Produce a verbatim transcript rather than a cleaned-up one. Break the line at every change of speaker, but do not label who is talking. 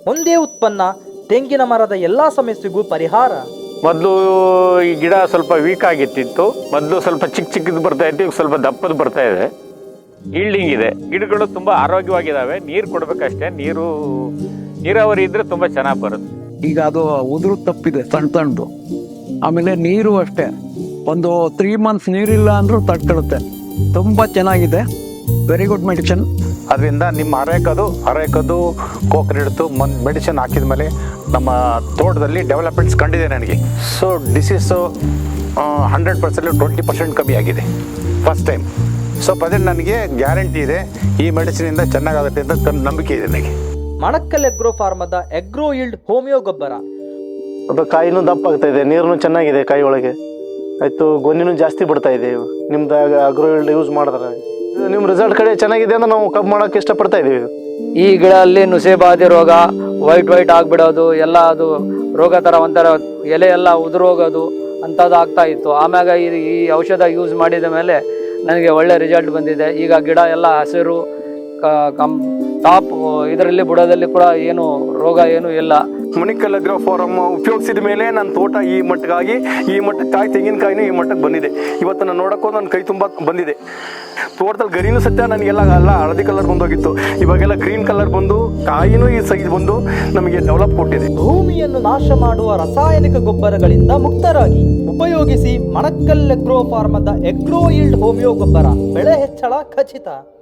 ಒಂದೇ ಉತ್ಪನ್ನ ತೆಂಗಿನ ಮರದ ಎಲ್ಲ ಸಮಸ್ಯೆಗೂ ಪರಿಹಾರ.
ಮೊದಲು ಈ ಗಿಡ ಸ್ವಲ್ಪ ವೀಕ್ ಆಗಿತ್ತಿತ್ತು. ಮೊದಲು ಸ್ವಲ್ಪ ಚಿಕ್ಕ ಚಿಕ್ಕದು ಬರ್ತಾ ಇತ್ತು, ಈಗ ಸ್ವಲ್ಪ ದಪ್ಪದು ಬರ್ತಾ ಇದೆ. ಈಲ್ಡಿಂಗ್ ಇದೆ. ಗಿಡಗಳು ತುಂಬ ಆರೋಗ್ಯವಾಗಿದ್ದಾವೆ. ನೀರು ಕೊಡಬೇಕಷ್ಟೇ. ನೀರು ನೀರಾವರಿ ಇದ್ರೆ ತುಂಬ ಚೆನ್ನಾಗಿ ಬರುತ್ತೆ.
ಈಗ ಅದು ಉದುರು ತಪ್ಪಿದೆ ಸಣ್ಣ ಸಣ್ಣದು. ಆಮೇಲೆ ನೀರು ಅಷ್ಟೇ, ಒಂದು ತ್ರೀ ಮಂತ್ಸ್ ನೀರಿಲ್ಲ ಅಂದ್ರೂ ತಡ್ಕೊಳ್ಳುತ್ತೆ. ತುಂಬ ಚೆನ್ನಾಗಿದೆ. Very good medicine.
ಅದರಿಂದ ನಿಮ್ಮ ಅರೇಕದು ಅರೇಕದು ಕೋಕೋನಟ್ ಮೆಡಿಸಿನ್ ಹಾಕಿದ ಮೇಲೆ ನಮ್ಮ ತೋಟದಲ್ಲಿ ಡೆವಲಪ್ಮೆಂಟ್ಸ್ ಕಂಡಿದೆ ನನಗೆ. So disease hundred percent twenty percent ಕಮ್ಮಿ ಆಗಿದೆ ಫಸ್ಟ್ ಟೈಮ್. ಸೊ ಅದೇ ನನಗೆ ಗ್ಯಾರಂಟಿ ಇದೆ, ಈ ಮೆಡಿಸಿನಿಂದ ಚೆನ್ನಾಗಾಗುತ್ತೆ ಅಂತ ನಂಬಿಕೆ ಇದೆ ನನಗೆ.
ಮಣಕ್ಕಲ್ ಎಗ್ರೋ ಫಾರ್ಮದ ಎಗ್ರೋ ಈಲ್ಡ್ ಹೋಮಿಯೋ ಗೊಬ್ಬರ.
ಅದು ಕಾಯಿನೂ ದಪ್ಪ ಆಗ್ತಾ ಇದೆ, ನೀರು ಚೆನ್ನಾಗಿದೆ ಕಾಯಿ ಒಳಗೆ, ಆಯಿತು ಗೊನ್ನಿನೂ ಜಾಸ್ತಿ ಬಿಡ್ತಾ ಇದೆ. ನಿಮ್ದು ಅಗ್ರೋ ಈಲ್ಡ್ ಯೂಸ್ ಮಾಡಿದ್ರೆ ನಿಮ್ಮ ರಿಸಲ್ಟ್ ಕಡೆ ಚೆನ್ನಾಗಿದೆ ಅಂತ ನಾವು ಕಬ್ಬು ಮಾಡೋಕ್ಕೆ ಇಷ್ಟಪಡ್ತಾ ಇದ್ದೀವಿ.
ಈ ಗಿಡ ಅಲ್ಲಿ ನುಸೆ ಬಾಧೆ ರೋಗ, ವೈಟ್ ವೈಟ್ ಆಗಿಬಿಡೋದು ಎಲ್ಲ, ಅದು ರೋಗ ಥರ ಒಂಥರ ಎಲೆ ಎಲ್ಲ ಉದುರೋಗೋದು ಅಂಥದ್ದು ಆಗ್ತಾ ಇತ್ತು. ಆಮ್ಯಾಗ ಈ ಈ ಔಷಧ ಯೂಸ್ ಮಾಡಿದ ಮೇಲೆ ನನಗೆ ಒಳ್ಳೆ ರಿಸಲ್ಟ್ ಬಂದಿದೆ. ಈಗ ಗಿಡ ಎಲ್ಲ ಹಸಿರು ಕಂ ಟಾಪ್ ಇದರಲ್ಲಿ ಬುಡದಲ್ಲಿ ಕೂಡ ಏನು ರೋಗ ಏನು ಇಲ್ಲ.
ಮಣಿಕಲ್ ಅಗ್ರೋ ಫಾರಮ್ ಉಪಯೋಗಿಸಿದ ಮೇಲೆ ನನ್ನ ತೋಟ ಈ ಮಟ್ಟಕ್ಕಾಗಿ ಈ ಮಟ್ಟಕ್ಕಾಗಿ ತೆಂಗಿನಕಾಯಿನೂ ಈ ಮಟ್ಟಕ್ಕೆ ಬಂದಿದೆ. ಇವತ್ತು ನಾನು ನೋಡೋಕ್ಕೂ ನನ್ನ ಕೈ ತುಂಬ ಬಂದಿದೆ. ತೋಟದಲ್ಲಿ ಗರಿನೂ ಸತ್ಯ ನನಗೆಲ್ಲ ಎಲ್ಲ ಹಳದಿ ಕಲರ್ ಬಂದೋಗಿತ್ತು, ಇವಾಗೆಲ್ಲ ಗ್ರೀನ್ ಕಲರ್ ಬಂದು ಕಾಯಿನೂ ಈ ಸೈಜ್ ಬಂದು ನಮಗೆ ಡೆವಲಪ್ ಕೊಟ್ಟಿದೆ.
ಭೂಮಿಯನ್ನು ನಾಶ ಮಾಡುವ ರಾಸಾಯನಿಕ ಗೊಬ್ಬರಗಳಿಂದ ಮುಕ್ತರಾಗಿ ಉಪಯೋಗಿಸಿ ಮಣಕ್ಕಲ್ ಎಗ್ರೋ ಫಾರ್ಮದ ಎಗ್ರೋ ಈಲ್ಡ್ ಹೋಮಿಯೋ ಗೊಬ್ಬರ. ಬೆಳೆ ಹೆಚ್ಚಳ ಖಚಿತ.